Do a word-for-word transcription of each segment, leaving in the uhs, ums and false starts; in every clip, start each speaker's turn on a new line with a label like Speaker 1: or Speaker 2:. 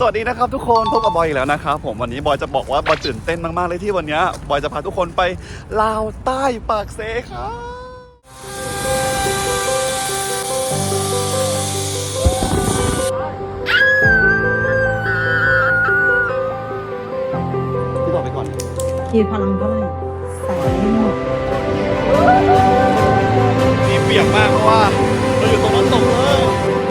Speaker 1: สวัสดีนะครับทุกคนพบกับบอยอีกแล้วนะครับผมวันนี้บอยจะบอกว่าบอยตื่นเต้นมากๆเลยที่วันนี้บอยจะพาทุกคนไปลาวใต้ปากเซครับพี่บอกไปก่อน
Speaker 2: คีพลังเท่าไหร่ใส่ไม่หมด
Speaker 1: มีเปียกมากเพราะว่าเราอยู่ตรงน้ำตกเลย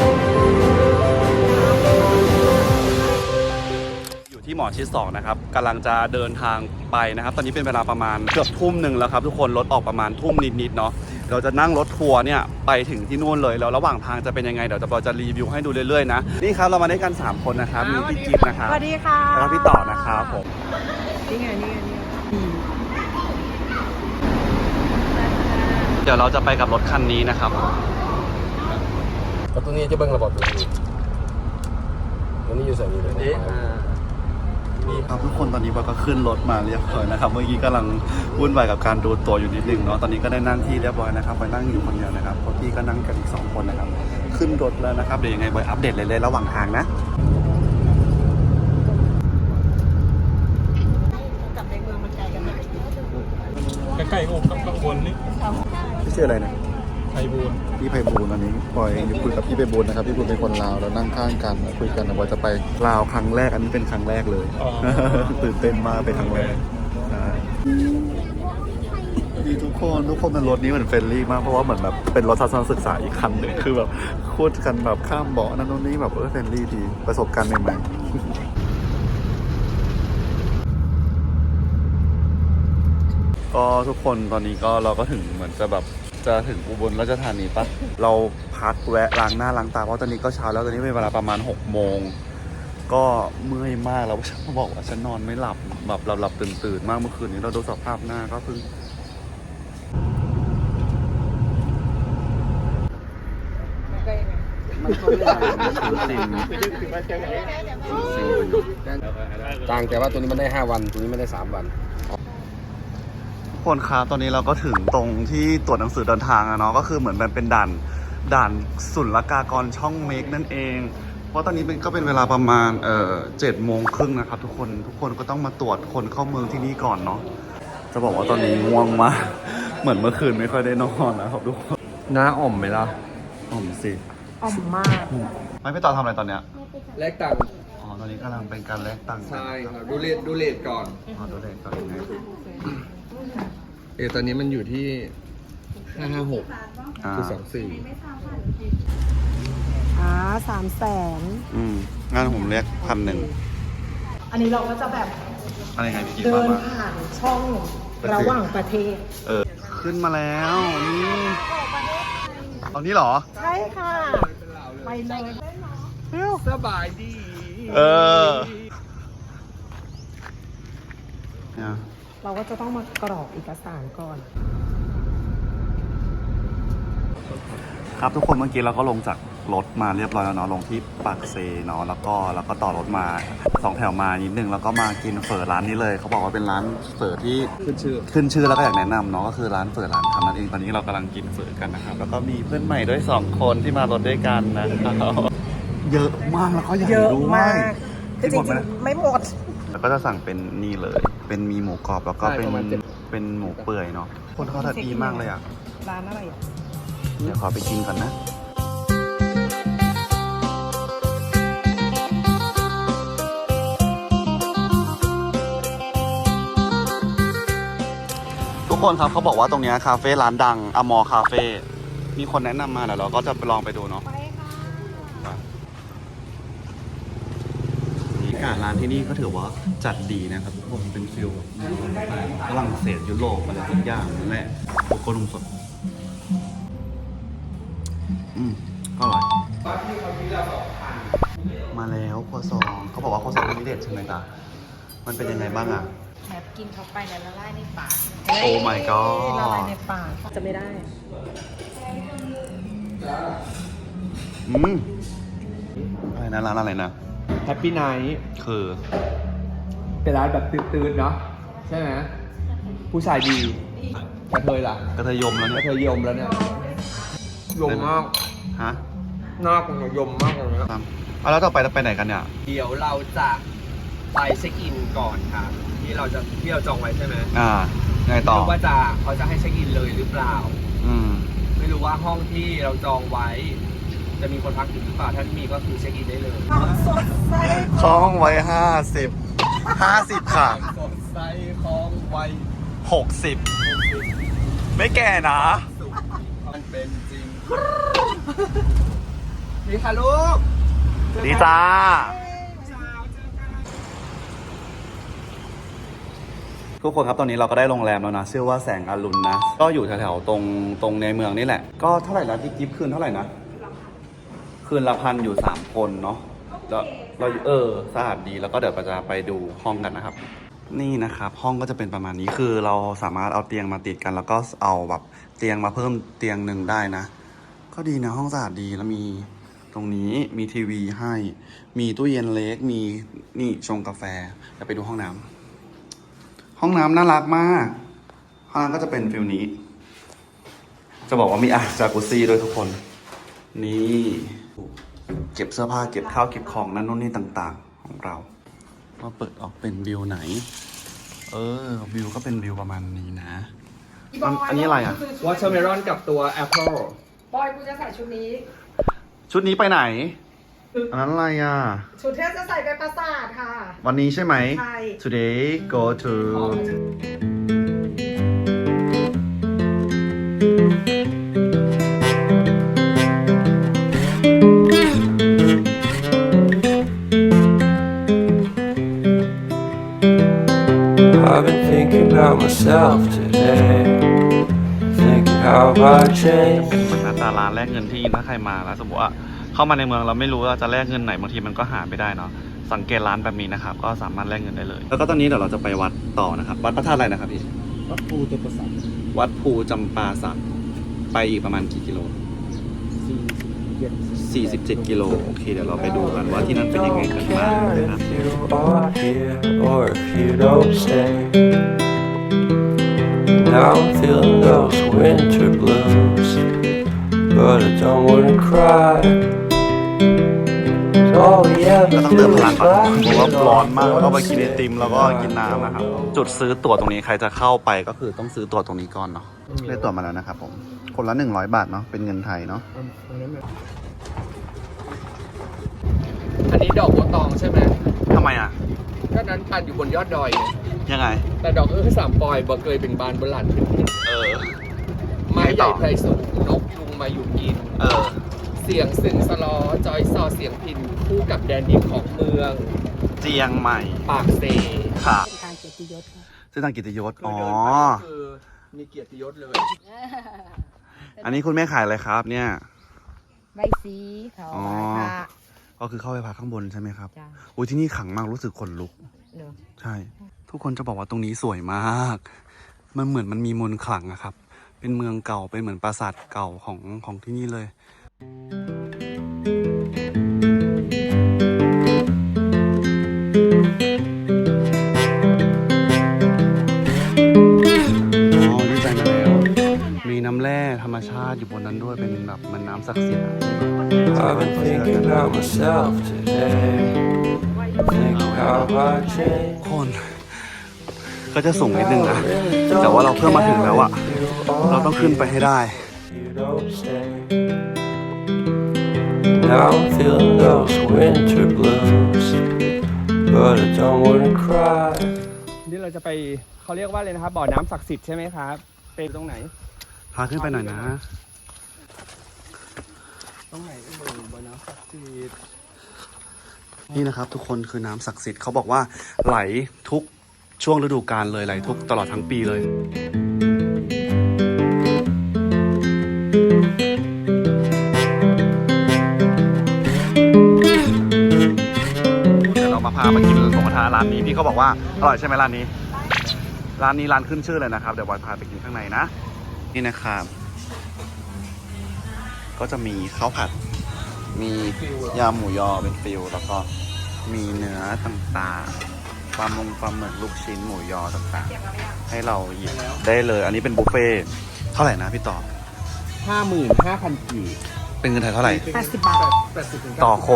Speaker 1: ที่หมอชิดสองนะครับกำลังจะเดินทางไปนะครับตอนนี้เป็นเวลาประมาณเกือบทุ่มหนึ่งแล้วครับทุกคนรถออกประมาณทุ่มนิดๆเนาะเราจะนั่งรถทัวร์เนี่ยไปถึงที่นู่นเลยแล้วระหว่างทางจะเป็นยังไงเดี๋ยวเราจะรีวิวให้ดูเรื่อยๆนะนี่ครับเรามาได้กันสามคนนะครับมีพี่จิ๊บนะครับ
Speaker 2: สวัสดีค่ะ
Speaker 1: แล้วพี่ต่อนะครับผม
Speaker 2: นี่ไงนี่ไงนี่
Speaker 1: เดี๋ยวเราจะไปกับรถคันนี้นะครับ
Speaker 3: ก็ตัวนี้จะเบิ้งระบบตัวนี้ตัวนี้อยู่ใส่นี้เลยนี่
Speaker 1: ครับทุกคนตอนนี้บอยก็ขึ้นรถมาเรียบร้อยนะครับเมื่อกี้กำลังวุ่นวายกับการดูตัวอยู่นิดนึงเนาะตอนนี้ก็ได้นั่งที่เรียบร้อยนะครับบอยนั่งอยู่คนเดียวนะครับเพราะพี่ก็นั่งกันอีกสองคนนะครับขึ้นรถแล้วนะครับเดี๋ยวยังไงบอยอัปเดตเลยๆระหว่างทางนะ
Speaker 2: กับในเมืองมันไกลกันไหม
Speaker 3: ใกล้ๆอกข้างบนนี่
Speaker 1: พี่ชื่ออะไรนะ
Speaker 3: ไพบูลย์
Speaker 1: พี่ไพบูลย์อันนี้บอยคุยกับพี่ไพบูลย์นะครับพี่ไพบูลย์เป็นคนลาวแล้วนั่งข้างกันคุยกันนะบอยจะไปลาวครั้งแรกอันนี้เป็นครั้งแรกเลยตื่นเต้นมากเป็นครั้งแรกดีทุกคนทุกคนในรถนี้เหมือนเฟรนลี่มากเพราะว่าเหมือนแบบเป็นรถทัศนศึกษาอีกคันหนึ่งคือแบบพูดกันแบบข้ามเบาะนั่นนู่นนี่แบบเออเฟรนลี่ดีประสบการณ์ใหม่ๆก็ทุกคนตอนนี้ก็เราก็ถึงเหมือนจะแบบจะถึงอุบลราชธานีปะเราพักแวะล้างหน้าล้างตาเพราะตอนนี้ก็เช้าแล้วตอนนี้เป็นเวลาประมาณหกโมงก็เมื่อยมากแล้วฉันบอกว่าฉันนอนไม่หลับแบบหลับหลับตื่นตื่นมากเมื่อคืนนี้เราดูสภาพหน้าก็เพิ่ง
Speaker 3: ต่างแต่ว่าตัวนี้มันได้ห้าวันตัวนี้ไม่ได้สามวัน
Speaker 1: คนครับตอนนี้เราก็ถึงตรงที่ตรวจหนังสือเดินทางอะเนาะก็คือเหมือนมันเป็นด่านด่านศุลกากรช่องเมกนั่นเองเพราะตอนนี้เป็นก็เป็นเวลาประมาณเอ่อเจ็ดโมงครึ่งนะครับทุกคนทุกคนก็ต้องมาตรวจคนเข้าเมืองที่นี่ก่อนเนาะจะบอกว่าตอนนี้ง่วงมากเหมือนเมื่อคืนไม่ค่อยได้นอนนะครับทุกคน
Speaker 3: น้าอ่อมไหมล่ะ
Speaker 1: อ่อมสิ
Speaker 2: อ่อมมาก
Speaker 1: ไม่ไปต่อทำอะไรตอนเนี้ย
Speaker 3: แลกตังค์
Speaker 1: อ๋อตอนนี้กำลังเป็นการแลกตังค์
Speaker 3: ใช่ครับดูเลทดูเลทก่อน
Speaker 1: อ๋อดูเลทก่อนไง
Speaker 3: เออตอนนี้มันอยู่ที่ห้าห้าหกคือสองสี่
Speaker 2: อ่าสามแสน
Speaker 1: อืมงานผมเรียกพันหนึ่ง
Speaker 2: อันนี้เราก็จะแบบ
Speaker 1: อะไรไงพี่กิ๊ก
Speaker 2: เดินผ่านช่องระหว่างประเทศ
Speaker 1: เออขึ้นมาแล้วนี่ตอนนี้เหรอ
Speaker 2: ใช่ค่ะไปเลย
Speaker 3: สบายดี
Speaker 1: เออเนี่ย
Speaker 2: เราก็จะต้องมากรอกเอกสารก่อน
Speaker 1: ครับทุกคนเมื่อกี้เราก็ลงจากรถมาเรียบร้อยแล้วเนาะลงที่ปากเซเนาะแล้วก็แล้วก็ต่อรถมาสองแถวมานิดนึงแล้วก็มากินเฝอร้านนี้เลยเขาบอกว่าเป็นร้านเฝอที่
Speaker 3: ขึ้นชื่อ
Speaker 1: ขึ้นชื่อแล้วก็อยากแนะนำเนาะก็คือร้านเฝอร้านคำนั่นเองตอนนี้เรากำลังกินเฝอกันนะครับแล้วก็มีเพื่อนใหม่ด้วยสองคนที่มารถด้วยกันนะครับเยอะมากแล้วก็ใหญ่ด้วย
Speaker 2: จริงๆไม่หมด
Speaker 1: แล้วก็จะสั่งเป็นนี่เลยเป็นมีหมูกรอบแล้วก็เป็นเป็นหมูเปื่อยเนาะคนเขาทัดดีมากเลยอ่ะ
Speaker 2: ร้านอะไรอ่ะ
Speaker 1: เดี๋ยวขอไปกินก่อนนะทุกคนครับเขาบอกว่าตรงนี้คาเฟ่ร้านดังอมอคาเฟ่มีคนแนะนำมาเดี๋ยวเราก็จะไปลองไปดูเนาะร้านที่นี่ก็ถือว่าจัดดีนะครับทุกคนเป็นฟิลฝรั่งเศสยุโรปอะไรทุกอย่างนั่นแหละโคโค่นมสดอืมอร่อยมาแล้วครัวซองเขาบอกว่าครัวซองเป็นพิเศษใช่ไหมจ๊ะมันเป็นยังไงบ้างอ่ะ
Speaker 2: แบบกินเข้าไปแล้วละลายในปาก
Speaker 1: โอ้ my god
Speaker 2: ละลายในปากจะไม่ได้
Speaker 1: อืมอะไรนะร้านอะไรนะ
Speaker 3: แฮปปี้ไนท์
Speaker 1: คือ
Speaker 3: เป็นร้านแบบตื่นๆเนาะใช่ไหมผู้ชายดีกระเทยล่ะ
Speaker 1: กระเทยยมแล้วเนี่ย
Speaker 3: กระเทยยมแล้วเนี่ยยมมาก
Speaker 1: ฮะ
Speaker 3: น่าคงยมมากเลยนะ
Speaker 1: เอาแล้วต่อไปเราไปไหนกันเนี่ย
Speaker 3: เดี๋ยวเราจะไปเช็คอินก่อนครับที่เราจะที่เราจองไว้ใช่ไหม
Speaker 1: อ่าไง
Speaker 3: ไม่
Speaker 1: ต่อ
Speaker 3: รู้ว่าจะเขาจะให้เช็คอินเลยหรือเปล่า
Speaker 1: อืม
Speaker 3: ไม่รู้ว่าห้องที่เราจองไว้ จะมีคนพักอยู่หรือเปล่าถ้ามีก็คือเช็คอินได้เลย
Speaker 1: คล้องไว้ห้าสิบห้าสิบค่ะ
Speaker 3: สดใสของวัย
Speaker 1: หกสิบไม่แก่นะ
Speaker 3: สุขมันเป็นจริงดีค่ะลูก
Speaker 1: ดีจ้า ทุกคนครับตอนนี้เราก็ได้โรงแรมแล้วนะชื่อว่าแสงอรุณนะ ก็อยู่แถวๆตรงตรงในเมืองนี่แหละ ก็เท่าไหร่นะพี่กิฟต์คืนเท่าไหร่นะ คืนละพันอยู่สามคนเนาะแล้วเราเออสะอาดดีแล้วก็เดี๋ยวเราจะไปดูห้องกันนะครับ นี่นะครับห้องก็จะเป็นประมาณนี้คือเราสามารถเอาเตียงมาติดกัน แล้วก็เอาแบบเตียงมาเพิ่มเตียงหนึ่งได้นะ ก็ดีนะห้องสะอาดดีแล้วมีตรงนี้มีทีวีให้ มีตู้เย็นเล็กมีนี่ชงกาแฟเดี๋ยวไปดูห้องน้ำห้องน้ำน่ารักมากห้องน้ำก็จะเป็นฟิลนี้ จะบอกว่ามีอ่างจากุซี่ด้วยทุกคน นี่เก็บเสื้อผ้าเก็บข้าวเก็บของนั่นนู่นนี่ต่างๆ ของเราว่าเปิดออกเป็นวิวไหน เออวิวก็เป็นวิวประมาณนี้นะอันอันนี้อะไรอ่ะ
Speaker 3: วอเตอร์เมลอนกับตัวแอปเปิล
Speaker 2: บอยกูจะใส่ชุดนี้
Speaker 1: ชุดนี้ไปไหน อันนั้นอะไรอ่ะ
Speaker 2: ชุดที่จะใส่ไปปราสาทค่ะ
Speaker 1: วันนี้ใช่ไหม
Speaker 2: ใช่
Speaker 1: Today go to
Speaker 4: I've been thinking about myself today, thinking how I
Speaker 1: เป็น
Speaker 4: changed.
Speaker 1: เหมือนหน้าตาร้านแลกเงินที่ถ้าใครมาแล้วสมมติว่าเข้ามาในเมืองเราไม่รู้ว่าจะแลกเงินไหนบางทีมันก็หาไม่ได้เนาะสังเกตร้านแบบนี้นะครับก็สามารถแลกเงินได้เลย แล้วก็ตอนนี้เดี๋ยวเราจะไปวัดต่อนะครับ วัดพระธาตุอะไรนะครับพี่
Speaker 3: วัดภูตัวประสาท
Speaker 1: วัดภูจำปาสักไปอีกประมาณกี่กิโล สี่สิบเจ็ดกิโลโอเคเดี๋ยวเราไปดูกันว่าที่นั่นเป็นยังไงกัน
Speaker 4: Don't
Speaker 1: บ้าง
Speaker 4: care
Speaker 1: นะครับ
Speaker 4: if you are here or if you don't stay. Now I'm feeling those winter blues, but I don't wanna cry. 'Cause all we
Speaker 1: ก็
Speaker 4: ever
Speaker 1: ต้องเติ
Speaker 4: do
Speaker 1: มพลัง
Speaker 4: is
Speaker 1: ก่อน
Speaker 4: laugh
Speaker 1: เพราะว่า
Speaker 4: it
Speaker 1: ร้อน
Speaker 4: off
Speaker 1: มากแล้วก็ไป
Speaker 4: one
Speaker 1: กินไอติม แล้วก็
Speaker 4: step
Speaker 1: กินน้ำนะครับ จุดซื้อตั๋วตรงนี้ใครจะเข้าไปก็คือต้องซื้อตั๋วตรงนี้ก่อนเนาะได้ตั๋วมาแล้วนะครับผมคนละหนึ่งร้อยบาทเนาะเป็นเงินไทยเนาะ
Speaker 3: อันนี้ดอกบัวตองใช่ไหม
Speaker 1: ทำไมอ่ะ
Speaker 3: ก็นั้นพันอยู่บนยอดดอยไง
Speaker 1: ยังไง
Speaker 3: แต่ดอกเออสามปอยบ่เคยเป็นบานบนหลันขึ้น
Speaker 1: เออ
Speaker 3: ไม้ใหญ่ไพรสูงนกยุงมาอยู่กิน
Speaker 1: เออ
Speaker 3: เสียงสึงสลอจอยซอเสียงพินคู่กับแดนดินของเมือง
Speaker 1: เจียงใหม่
Speaker 3: ปากเซ
Speaker 1: ค่ะ
Speaker 2: ทางเกียรติยศค่ะ
Speaker 1: ซึ่งทางกิตยศ
Speaker 3: คือ
Speaker 1: อ๋อ
Speaker 3: เดินไปก็คือมีเกียรติยศเลย
Speaker 1: อันนี้คุณแม่ขายอะไรครับ เนี่ย
Speaker 2: ใบสีเขา
Speaker 1: อ๋อ
Speaker 2: ใบพระ
Speaker 1: ก็คือเข้าไปพักข้างบนใช่ไหมครับ
Speaker 2: จ้ะ
Speaker 1: อุ้ยที่นี่ขลังมากรู้สึกขนลุก
Speaker 2: เนอะ
Speaker 1: ใช่ ทุกคนจะบอกว่าตรงนี้สวยมาก มันเหมือนมันมีมนต์ขลังอะครับ เป็นเมืองเก่า เป็นเหมือนปราสาทเก่าของของที่นี่เลย อ๋อดีใจมาแล้ว มีน้ำแร่ธรรมชาติอยู่บนนั้นด้วย เป็นแบบมันน้ำศักดิ์สิทธิ์อะ
Speaker 4: I've been thinking about myself today, thinking how I changed.
Speaker 1: คน ก็จะสูงนิดนึงนะ แต่ว่าเราเพิ่มมาถึงแล้วอะเราต้องขึ้นไปให้ได้
Speaker 4: You don't stay. Now I'm feeling those winter blues, but I don't wanna cry.
Speaker 3: นี่เราจะไปเขาเรียกว่าอะไรนะครับ บ่อน้ำศักดิ์สิทธิ์ใช่ไหมครับ เป็นตรงไหน
Speaker 1: พาขึ้นไปหน่อยนะ
Speaker 3: ตรงไหนเอ่ยบ่อน้ำศักดิ์สิทธิ์
Speaker 1: นี่นะครับทุกคนคือน้ำศักดิ์สิทธิ์เขาบอกว่าไหลทุกช่วงฤดูกาลเลยไหลทุกตลอดทั้งปีเลย เดี๋ยวเรามาพามากินหมูกระทะร้านนี้พี่เขาบอกว่าอร่อยใช่ไหมร้านนี้ ร้านนี้ร้านขึ้นชื่อเลยนะครับเดี๋ยวบอยพาไปกินข้างในนะ นี่นะครับ ก็จะมีข้าวผัด มียำหมูยอเป็นฟิลแล้วก็มีเนื้อต่างๆปลามงปลาหมึกลูกชิ้นหมูยอต่างๆ ให้เราหยิบได้เลย อันนี้เป็นบุฟเฟ่ต์เท่าไหร่นะพี่ต่อ
Speaker 3: ห้าหมื่นห้าพันกีบ
Speaker 1: เป็นเงินไทยเท่าไหร่
Speaker 2: แปดสิบบาท
Speaker 3: แปดสิบถึง
Speaker 1: ต่อคน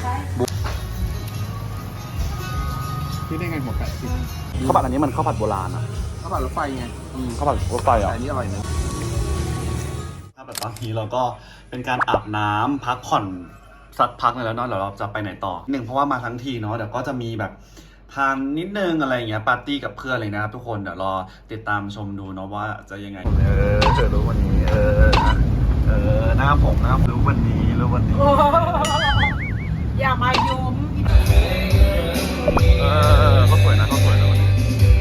Speaker 3: ที่ได้ไงหมดแปดสิบ
Speaker 1: ข้าวผัดอันนี้มันข้าวผัดโบราณอ่ะ
Speaker 3: ข้าวผัดรถไฟไง
Speaker 1: อืมข้าวผัดรถไฟอ่ะ
Speaker 3: แต่อันนี้อร่อยนะ
Speaker 1: ถ้าแบบตอนนี้เราก็เป็นการอาบน้ำพักผ่อนสักพักหนึงแล้วเนาะเดี๋ยวเราจะไปไหนต่อหนึ่งเพราะว่ามาทั้งทีเนาะเดี๋ยวก็จะมีแบบทานนิดนึงอะไรอย่างเงี้ยปาร์ตี้กับเพื่อนอะไรนะครับทุกคนเดี๋ยวรอติดตามชมดูเนาะว่าจะยังไงเออเธอรู้วันนี้เออเออหน้าผมหน้ารู้วันนี้รู้วันนี้
Speaker 2: อย่ามายุม
Speaker 1: เออเขาสวยนะเขาสวยนะวันนี้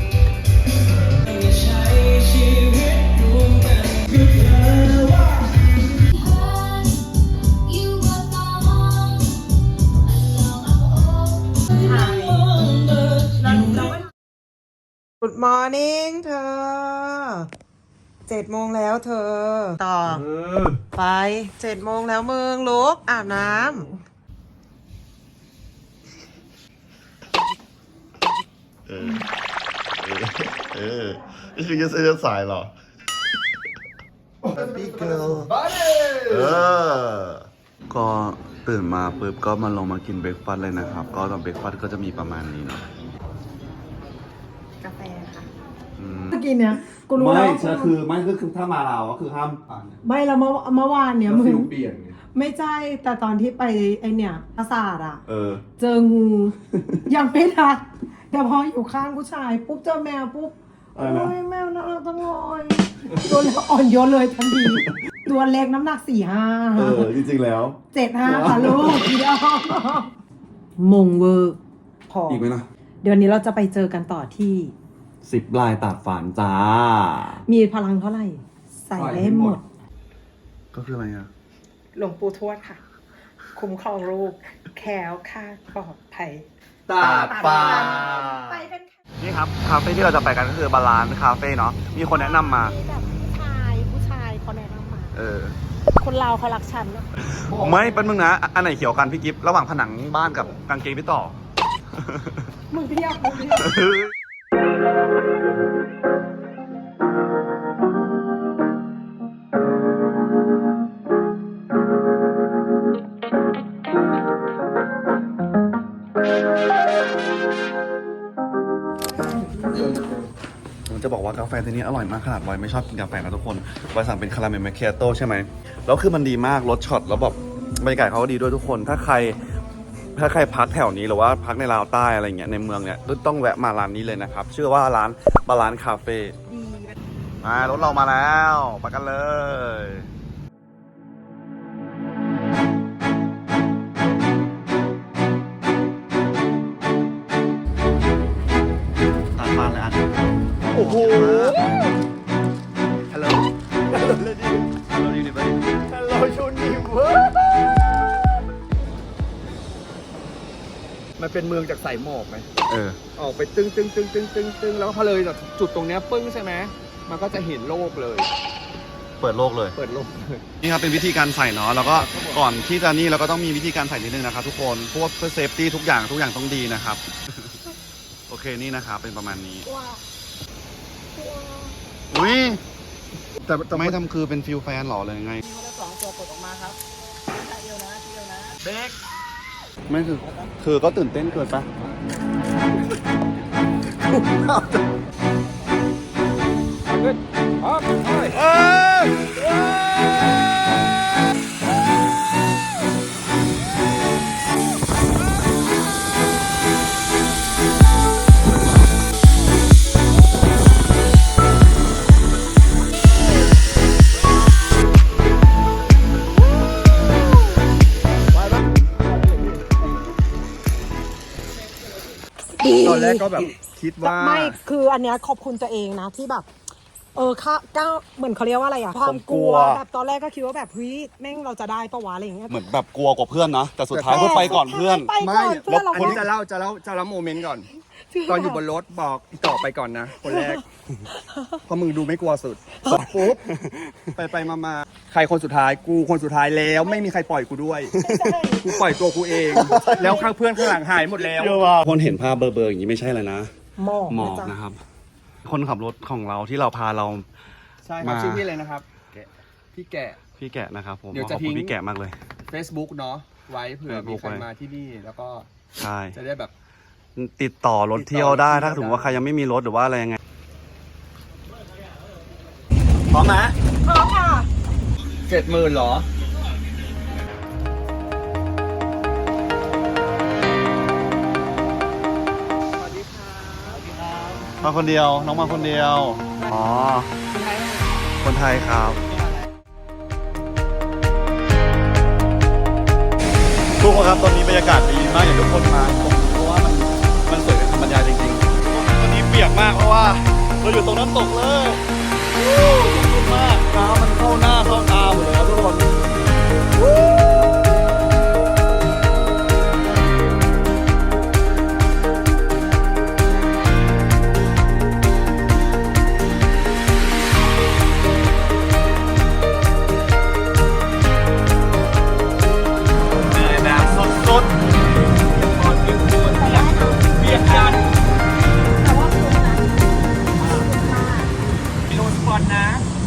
Speaker 2: Good morning เธอเจ็ดโมงแล้วเธอ ต่อ ไปเจ็ดโมงแล้วมึงลุกอาบน้
Speaker 1: เออเออเออนี่คือจะเสื้อสายเหรอ Happy girl เออก็ตื่นมาปุ๊บก็มาลงมากินเบรกฟาสต์เลยนะครับ ก็ตอนเบรกฟาสต์ก็จะมีประมาณนี้เนาะ
Speaker 2: ำกาแฟค่ะ
Speaker 1: อืม
Speaker 5: เมื่อกี้เนี่ยกูรู้
Speaker 1: ไม่
Speaker 5: แล้ว
Speaker 1: ใช่คือไม่ก็คือถ้ามาเราก็คือห้ามอ่าน
Speaker 5: ไม่แล้วเมื่อเมื่อวานเนี่ยมึง
Speaker 3: เปลี่ยนไง
Speaker 5: ไม่ใช่แต่ตอนที่ไปไอเนี่ยปราสาทอ่ะ
Speaker 1: เออ
Speaker 5: เจองู ยังไม่ทักแต่พออยู่ข้างผู้ชายปุ๊บเจอแมวปุ๊บ
Speaker 1: อะไร
Speaker 5: โอ้
Speaker 1: นะ
Speaker 5: ยแมวน่ารักจังเลยตัวเล็กอ่อนโยนเลยทันทีตัวเล็กน้ำหนักสี่ห้า
Speaker 1: เออ จริงๆแล้ว
Speaker 5: เจ็ดห้าค่ะลูกเดียวมงเวอร์พอ
Speaker 1: อีกไหมนะ
Speaker 5: เดี๋ยวนี้เราจะไปเจอกันต่อที่
Speaker 1: สิบลายตากฝานจ้า
Speaker 5: มีพลังเท่าไหร่ ใส่ได้หมด
Speaker 1: ก็คืออะไรอ่ะ
Speaker 2: หลวงปู่ทวดค่ะ คุ้มครองลูกแคล้วคลาดปลอดภัย
Speaker 3: ตาดฟ้า
Speaker 2: ไปกันค่ะ
Speaker 1: นี่ครับ คาเฟ่ที่เราจะไปกันก็คือบาลานซ์คาเฟ่เนาะ มีคนแนะนำมา
Speaker 2: มีแบบผู้ชายผู้ชายเขาแนะนำมา
Speaker 1: เออ
Speaker 2: คนเราเขารักฉันนะ
Speaker 1: ไม่เป็นมึงนะ อันไหนเขียวกันพี่กิฟต์ระหว่างผนังบ้านกับกางเกงพี่ต่อ
Speaker 2: มึงเรียกมึงเรียก
Speaker 1: ผมจะบอกว่ากาแฟตัวนี้อร่อยมากขนาดบอยไม่ชอบกินกาแฟนะทุกคนบอยสั่งเป็นคาราเมลแมคเคียโต้ใช่ไหมแล้วคือมันดีมากรสช็อตแล้วแบบบรรยากาศเขาก็ดีด้วยทุกคน ถ้าใครถ้าใครพักแถวนี้หรือว่าพักในลาวใต้อะไรเงี้ยในเมืองเนี่ยต้องแวะมาร้านนี้เลยนะครับชื่อว่าร้านบาลานซ์คาเฟ่มารถเรามาแล้วไปกันเลยตัดมาเลยอันโอ้โห ฮัลโหล ฮัลโหลเลยดิฮัลโหลยูนิเวอร์ฮัลโหลยูนิเวอร์
Speaker 3: มันเป็นเมืองจากสายหมอกไหม
Speaker 1: เออ
Speaker 3: ออกไปตึ้งตึ้งตึ้งตึ้งตึ้งตึ้งแล้วพอเลยจากจุดตรงเนี้ยปึ้งใช่ไหมมันก็จะเห็นโลกเลย
Speaker 1: เปิดโลกเลย
Speaker 3: เปิดโลกเลย
Speaker 1: นี่ครับเป็นวิธีการใส่เนาะ แล้วก็ก่อนที่จะนี่เราก็ต้องมีวิธีการใส่นิดนึงนะครับทุกคน พวกเพื่อเซฟตี้ทุกอย่างทุกอย่างต้องดีนะครับ โอเคนี่นะครับเป็นประมาณนี้
Speaker 2: ว้าว
Speaker 1: อุ้ย
Speaker 3: แต่
Speaker 1: จะไม่ทำคือเป็นฟิลแฟนหรอเลยไง
Speaker 2: มีคนละสองตัวกดออกมาครับเดียวนะเดียวนะ
Speaker 1: เบกไม่คือ คือก็ตื่นเต้นเกินปะ
Speaker 3: ตอนแรกก็แบบคิดว่า
Speaker 5: ไม่คืออันเนี้ยขอบคุณตัวเองนะที่แบบ เออค่ะก้าวเหมือนเขาเรียกว่าอะไรอะความกลัวแบบตอนแรกก็คิดว่าแบบเฮ้ยแม่งเราจะได้ปะวะอะไรอย่างเงี้ย
Speaker 1: เหมือนแบบกลัวกว่าเพื่อนนะ แต่สุดท้ายก็ไปก่อนเพื่อน
Speaker 5: ไปก่อนเพื่อนเรา
Speaker 3: อันนี้จะเล่าจะเล่าจะเล่าโมเมนต์ก่อน ตอนอยู่บนรถบอกอีต่อไปก่อนนะ คนแรก เพราะมึงดูไม่กลัวสุดปุ๊บไปไปมามาใครคนสุดท้ายกูคนสุดท้ายแล้วไม่มีใครปล่อยกูด้วย กูปล่อยตัวกูเอง แล้วข้างเพื่อนข้างหลังหายหมดแล้ว
Speaker 1: คนเห็นภาพเบอร์เบอร์อย่างนี้ไม่ใช่เลยนะ
Speaker 5: หมอก
Speaker 1: หมอก
Speaker 5: นะจ๊ะ
Speaker 1: นะครับ คนขับรถของเราที่เราพาเรา
Speaker 3: ใช่ครับ
Speaker 1: มา
Speaker 3: ชื่อพี่อะไรนะครับ พี่แกะ
Speaker 1: พี่แกะนะครับผม
Speaker 3: เดี๋ยว
Speaker 1: ข
Speaker 3: จะ
Speaker 1: อบ
Speaker 3: ทิ้
Speaker 1: คุณ
Speaker 3: ง
Speaker 1: พี่แกะมากเลย
Speaker 3: Facebook เนาะไว้เผื่อมี
Speaker 1: Facebook
Speaker 3: ใคร
Speaker 1: ไว้
Speaker 3: มาที่นี่แล้วก็
Speaker 1: ใช่
Speaker 3: จะได้แบบ
Speaker 1: ติดต่อรถเที่ยวได้
Speaker 3: ติดต่อรถเที่ยว
Speaker 1: ถ้าถึงว่าใครยังไม่มีรถหรือว่าอะไรยังไงพร้อมไหม
Speaker 5: พร้อมค่ะ
Speaker 3: เจ็ดหมื่นหรอ
Speaker 1: มาคนเดียวน้องมาคนเดียวอ๋อคนไทยครับทุกคนครับตอนนี้บรรยากาศดีมากอย่างทุกคนมาตรงนี้เพราะว่ามันมันสวยเป็นธรรมชาติจริงๆตอนนี้เปียกมากเพราะว่าเราอยู่ตรงน้ำตกเลยวู้ขอบคุณมากน้ำมันเข้าหน้าเข้าตาหมดเลยครับทุกคนวู้เหนื่อยแบบสุดๆตอนนี้ทุกคนเปียกเปียกกัน
Speaker 3: มีโรสปอนนะ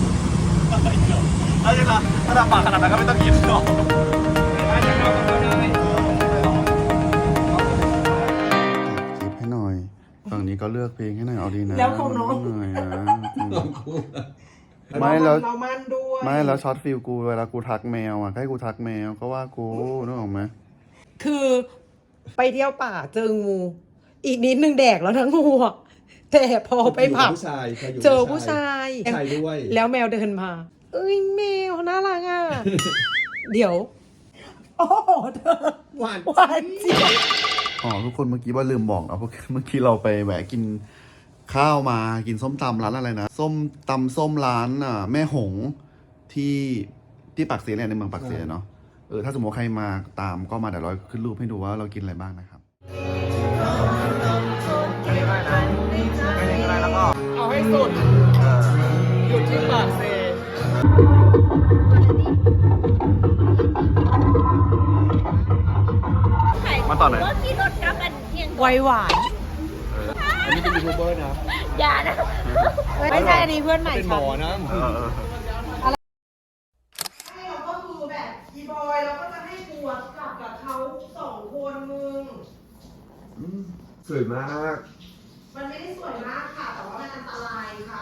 Speaker 1: ถ้าจะถ้าทำปากขนาดนั้นก็ไม่ต้องกินหรอก
Speaker 3: ถ้าจะเข้ากับเขาได้
Speaker 1: คลิปให้หน่อย ฝั่งนี้ก็เลือกเพลงให้หน่อยเอาดีนะ
Speaker 5: แล้วของน้อง
Speaker 1: หน่อยนะ
Speaker 3: ลองคู่
Speaker 1: ไม่แล้ว
Speaker 5: เรามันด้วย
Speaker 1: ไม่แล้วช็อตฟิลกูเวลากูทักแมวอ่ะให้กูทักแมวก็ว่ากูนึกออกไหม
Speaker 5: คือไปเที่ยวป่าเจองู อีกนิดนึงแดกแล้วทั้งงูอะแต่พอไปผับ
Speaker 3: ผู้ชายใครอยู่
Speaker 5: เจอผู้ชาย
Speaker 3: ผู้ชายด้วย
Speaker 5: แล้วแมวเดินมา เอ้ยแมวน่ารักอ่ะ เดี๋ยว โอ้โหเธอ
Speaker 3: หวาน
Speaker 5: หวานเจี๊ยบ
Speaker 1: อ๋อทุกคนเมื่อกี้ว่าลืมบอกนะเพราะเมื่อกี้เราไปแหวะกินข้าวมากินส้มตำร้านอะไรนะส้มตำส้มร้านอ่ะแม่หงที่ที่ปากเสียเนี่ยในเมืองปากเสียเนาะเออถ้าสมมติว่าใครมาตามก็มาเดี๋ยวเราขึ้นรูปให้ดูว่าเรากินอะไรบ้างนะครับ
Speaker 3: เอาให้สุดหยุดที่ปากเซ
Speaker 1: มาต่อไหน
Speaker 6: รถที่รถกลับกันเที่ยง
Speaker 5: ไวหวาน
Speaker 3: อันนี้เป็นยูทูบเบอร์นะ
Speaker 6: อย่านะ
Speaker 5: ไม่ใช่อันนี้เพื่อนใหม่
Speaker 3: เป็นหม
Speaker 5: ค่ะ
Speaker 3: อนะ
Speaker 1: เออเออ
Speaker 5: ให้เราก็คือแบบอีบอยเราก็จะให้กูอะกลับกับเขาสองคนมึง
Speaker 3: สวยมาก
Speaker 5: มันไม่ได้สวยมากค่ะ แต่ว่ามันอันตรายค่ะ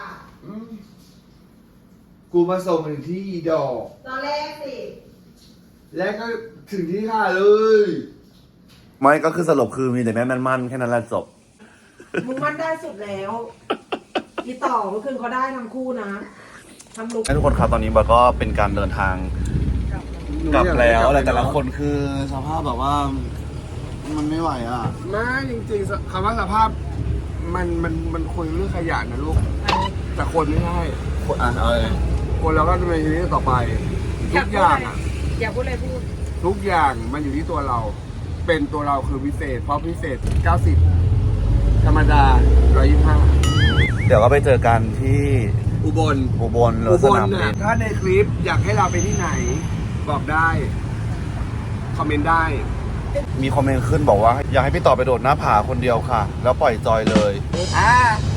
Speaker 3: กูมาส่งถึงที่ดอก
Speaker 5: ตอนแรกสิ
Speaker 3: และก็ถึงที่ท่าเลย
Speaker 1: ไม่ก็คือสรุปคือมีแต่แม่มันมันแค่นั้นแหละจบ
Speaker 5: มึงมันได้สุดแล้ว อีต่อเมื่อคืนเขาได้ทั้งคู่นะทำลุก
Speaker 1: ให้ทุกคนครับตอนนี้บอยก็เป็นการเดินทางกลับแล้วอะไรแต่ละคนคือสภาพแบบว่ามันไม่ไหวอ่ะ
Speaker 3: ไม่จริงๆคำว่าสภาพมันมันมันคุยเรื่องขยะนะลูก แต่คนไม่ใช่
Speaker 1: อ่ะเอาเลย
Speaker 3: คนเราก็ดำเนินชีวิตต่อไป ทุกอย่างอ่ะ
Speaker 5: อย่าพูดอะไรพูด
Speaker 3: ทุกอย่างมันอยู่ที่ตัวเรา เป็นตัวเราคือพิเศษ เพราะพิเศษ เก้าสิบ ธรรมดา หนึ่งร้อยยี่สิบห้า
Speaker 1: เดี๋ยวก็ไปเจอกันที่
Speaker 3: อุบล
Speaker 1: อุบลหรือ
Speaker 3: อุ
Speaker 1: ส
Speaker 3: บล
Speaker 1: นามบิ
Speaker 3: น่ะ
Speaker 1: น
Speaker 3: ถ้าในคลิปอยากให้เราไปที่ไหน บอกได้ คอมเมนต์ได้
Speaker 1: มีคอมเมนต์ขึ้นบอกว่า อยากให้พี่ต่อไปโดดหน้าผาคนเดียวค่ะ แล้วปล่อยจอยเลย
Speaker 3: อ่า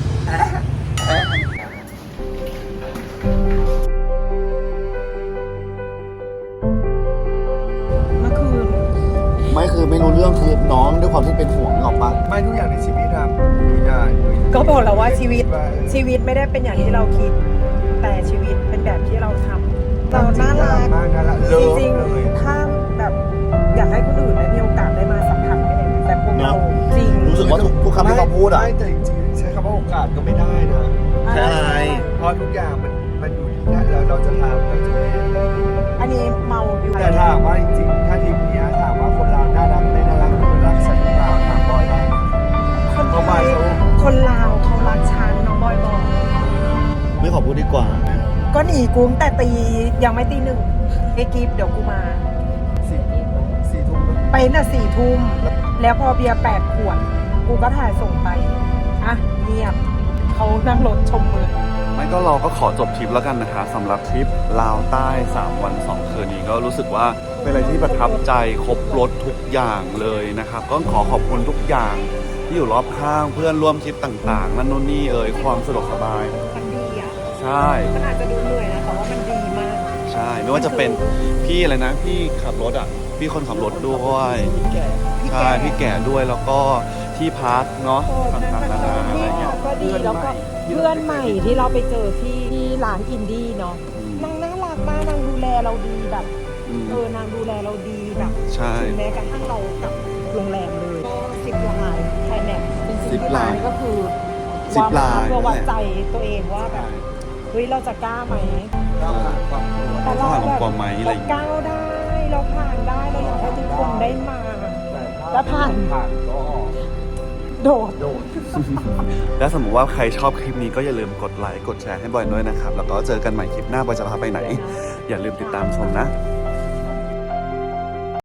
Speaker 5: เมื่อคืน
Speaker 1: ไม่คือไม่รู้เรื่องคือน้องด้วยความที่เป็นห่วงหรอกปะ
Speaker 3: ไม่ทุกอย่างในชีวิตครับทุกอย่าง
Speaker 5: ก็บอกแล้วว่าชีวิตชีวิตไม่ได้เป็นอย่างที่เราคิด แต่ชีวิตเป็นแบบที่เราทำเราน่ารัก
Speaker 3: มากน่ารัก
Speaker 5: จริงๆถ้าแบบอยากให้คนอื่นได้มีโอกาสได้มาสัมผัสแบบพวกเราจริง
Speaker 1: รู้สึกว่าทุกทุกคำที่เขาพูดอ่ะ
Speaker 3: ไม่แต่จริงๆใช้คำว่าโอกาสก็ไม่ได้นะ
Speaker 1: ใช่
Speaker 3: เพราะทุกอย่างมันมันอยู่ที่นั่นแล้วเราจะทำเราจะไม่
Speaker 5: อันนี้เมาอยู่
Speaker 3: แต่ถามว่าจริงๆ ถ้าทีมเนี้ยถามว่าคนเราน่ารักไม่น่ารักคนรักฉันหรือเปล่าถามบอยได้
Speaker 5: คน
Speaker 3: เขามาเขา
Speaker 5: คนลาวเขารักฉันน้องบอยบอก
Speaker 1: ไม่ขอพูดดีกว่า
Speaker 5: ก็หนีกูตั้งแต่ตียังไม่ตีหนึ่งไอ้กิฟเดี๋ยวกูมา
Speaker 3: สี่สี่ทุ่ม
Speaker 5: ไปน่ะสี่ทุ่มแล้วพอเบียร์แปดขวด กูก็ถ่ายส่งไป อ่ะเงียบเขานั่งรถชมเมือง
Speaker 1: ไม่ก็เราก็ขอจบทริปแล้วกันนะคะสำหรับทริปลาวใต้สามวันสองคืนนี้ก็รู้สึกว่าเป็นอะไรที่ประทับใจครบรถทุกอย่างเลยนะครับ ก็ขอขอบคุณทุกอย่างที่อยู่รอบข้างเพื่อนร่วมทริปต่างๆนั่นนู่นนี่เอ่ยความสะดวกสบาย
Speaker 5: มันดีอ่ะ
Speaker 1: ใช่
Speaker 5: มันอาจจะดูเหนื่อยนะแต่ว่ามันดีมาก
Speaker 1: ใช่ช่ไม่ว่าจะเป็นพี่อะไรนะพี่ขับรถอ่ะพี่คนขับรถด้วยใช่พี่แก่ด้วยแล้วก็ที่พักเนาะต่างๆนานาอะไร
Speaker 5: นี่
Speaker 1: เงี้ย
Speaker 5: ก็ดีแล้วก็เพื่อนใหม่ที่เราไปเจอที่ที่ร้านอินดี้เนาะ
Speaker 1: อืม
Speaker 5: นางน่ารักมากนางดูแลเราดีแบบ
Speaker 1: อืม
Speaker 5: เออนางดูแลเราดีแบบ
Speaker 1: ใช่
Speaker 5: ถึงแม้กระทั่งเรากลับโรงแรมเลยก็สิบลายแค่แนบจริงๆ
Speaker 1: สิบ
Speaker 5: ที่
Speaker 1: ลาย
Speaker 5: ร้านก็คือ
Speaker 1: สิบ
Speaker 5: วาง
Speaker 1: ลาย
Speaker 5: เพื่อวัด
Speaker 1: นั่นแหละ
Speaker 5: ใจตัวเองว่าแบบเฮ้ยเราจะกล้าไหม
Speaker 1: แต่เราผ่านความไหมอะไรอย่างเงี้ย
Speaker 5: ก้าวได้ เราผ่านได้ เราอยากให้ทุกคนได้มา แล้วผ่าน โดด
Speaker 1: และสมมติว่าใครชอบคลิปนี้ก็อย่าลืมกดไลค์กดแชร์ให้บอยด้วยนะครับ แล้วก็เจอกันใหม่คลิปหน้าบอยจะพาไปไหน อย่าลืมติดตามชมนะ